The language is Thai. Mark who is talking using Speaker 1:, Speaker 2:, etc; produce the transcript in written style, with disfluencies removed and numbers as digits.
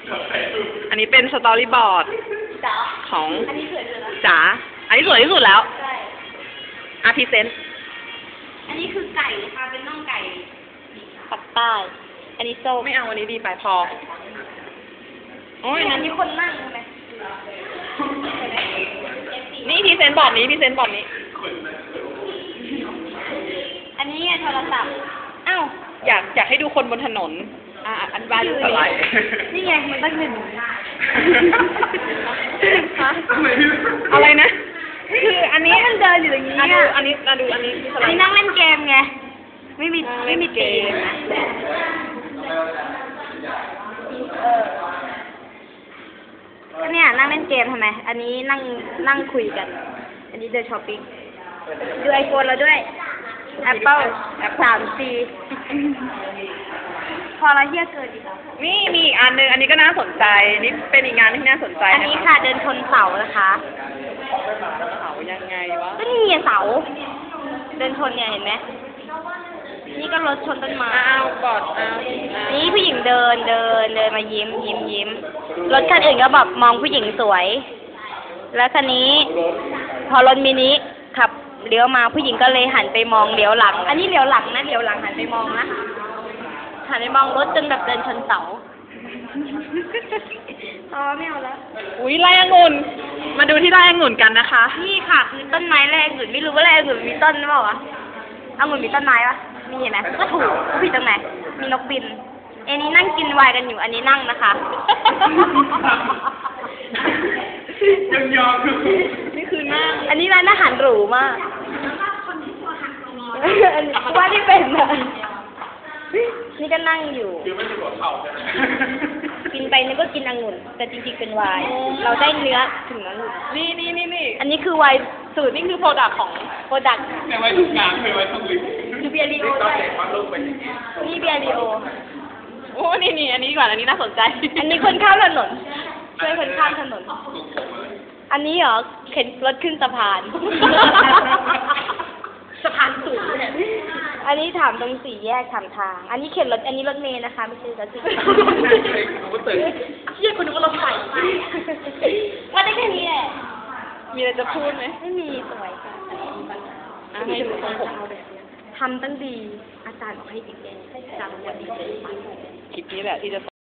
Speaker 1: อันนี้เป็นสตอรี่บอร์ดของ
Speaker 2: อันนี้สวยสุดแล้ว
Speaker 1: จ๋า อันนี้สวยที่สุดแล้ว
Speaker 2: ใช่
Speaker 1: อาร์พิเซนต์
Speaker 2: อันนี้คือไก่ค่ะเป็นน่องไก่ปักใต้อันนี้ส้ม
Speaker 1: ไม่เอาอันนี้ดีไปพอ โอ้ย
Speaker 2: อั
Speaker 1: นั้น น
Speaker 2: นี้คนนั่งใช่ไหม
Speaker 1: นี่พรีเซนต์บอร์ดนี้พรีเซนต์บอร์ดนี้
Speaker 2: อันนี้โทรศัพท์อ้าว
Speaker 1: อยากให้ดูคนบนถนน อันบ้านดูอะไร
Speaker 2: นี่ไงมันตั้งหนึ่ง
Speaker 1: ฮะอะไรนะ คืออันนี้
Speaker 2: มันเดินอยู่อย่างนี้
Speaker 1: ดู
Speaker 2: อ่ะ
Speaker 1: อันนี้ดูอันนี้คือส
Speaker 2: อัน
Speaker 1: ไล
Speaker 2: นี้
Speaker 1: ด์
Speaker 2: นั่งเล่นเกมไงไม่มีตีมนะก็เนี่ยนั่งเล่นเกมทำไมอันนี้นั่งคุยกัน อันนี้เดินช้อปปิ้งดูไอโฟนเราด้วย Apple 3C พอเราเฮี้ยเกินอีกแล้ว
Speaker 1: นี่มีอีกอันหนึงอันนี้ก็น่าสนใจ นี่เป็นอีกงานที่น่าสนใจ
Speaker 2: อันนี้ค่ะเดินชนเสานะคะ
Speaker 1: เขายังไงวะ
Speaker 2: ก็นี่ไงเสา เดินชนเนี่ยเห็นไหมนี่ก็รถชนต้นไม้
Speaker 1: อ้าวบอดอ้าว
Speaker 2: นี่ผู้หญิงเดินมายิ้มรถคันอื่นก็แบบมองผู้หญิงสวย แล้วคันนี้ พอรถมินิขับเลี้ยวมาผู้หญิงก็เลยหันไปมองเลี้ยวหลัง อันนี้เลี้ยวหลังนะเลี้ยวหลังหันไปมองนะหันไปมองรถจนแบบเดินชนเสาอ๋อไม่เอาแล้ว
Speaker 1: อุ้ยไร่องุ่น มาดูที่ไร่องุ่นกันนะคะ
Speaker 2: นี่ค่ะคือต้นไม้แรกองุ่นไม่รู้ว่าแรกองุ่นมีต้นหรือเปล่าวะองุ่นมีต้นไม้ปะมีเห็นไหมก็ถูกผิดตรงไหนมีนกบินอันนี้นั่งกินไวน์กันอยู่อันนี้นั่งนะคะ
Speaker 1: ยังยอมนี่คือหน้า
Speaker 2: อันนี้ร้านอาหารหรูมากอันนี้ว่าที่เป็นอะนี่ก็นั่งอยู่
Speaker 1: คือไม่ถูกเข่าใช่ไหม
Speaker 2: กินไปนึกว่ากินองุ่น แต่จริงๆเป็นไวน์เราได้เนื้อถึงองุ่น
Speaker 1: นี่
Speaker 2: อันนี้คือไวน์สูตร
Speaker 1: นี่คือโปรดักของ
Speaker 2: โปรดักต์
Speaker 1: ในไว้ทุกงานเคยไว้ทุกลิง
Speaker 2: คือเบียร์ลีโอด้วยนี่เบียร์ลีโอ
Speaker 1: โอ้นี่อันนี้ก่อนอันนี้น่าสนใจ
Speaker 2: อันนี้คนข้ามถนน ช่วยคนข้ามถนน อันนี้เหรอเข็นรถขึ้นสะพาน
Speaker 1: สะพานสูงเนี่ย
Speaker 2: อันนี้ถามตรงสี่แยกถามทาง อันนี้เข็นรถ อันนี้รถเมล์นะคะไม่ใช่รถสิ
Speaker 1: เชี่ยคนนึกว่ารถไฟ
Speaker 2: ว่าได้แค่นี้แหละ
Speaker 1: มีอะไรจะพูดไหม
Speaker 2: ไม่มีสวยค่ะ
Speaker 1: ให้ดูทรงผม
Speaker 2: ทำตั้งดี อาจารย์บอกให้ดีจำวันดี
Speaker 1: คลิปนี้แหละที่จะ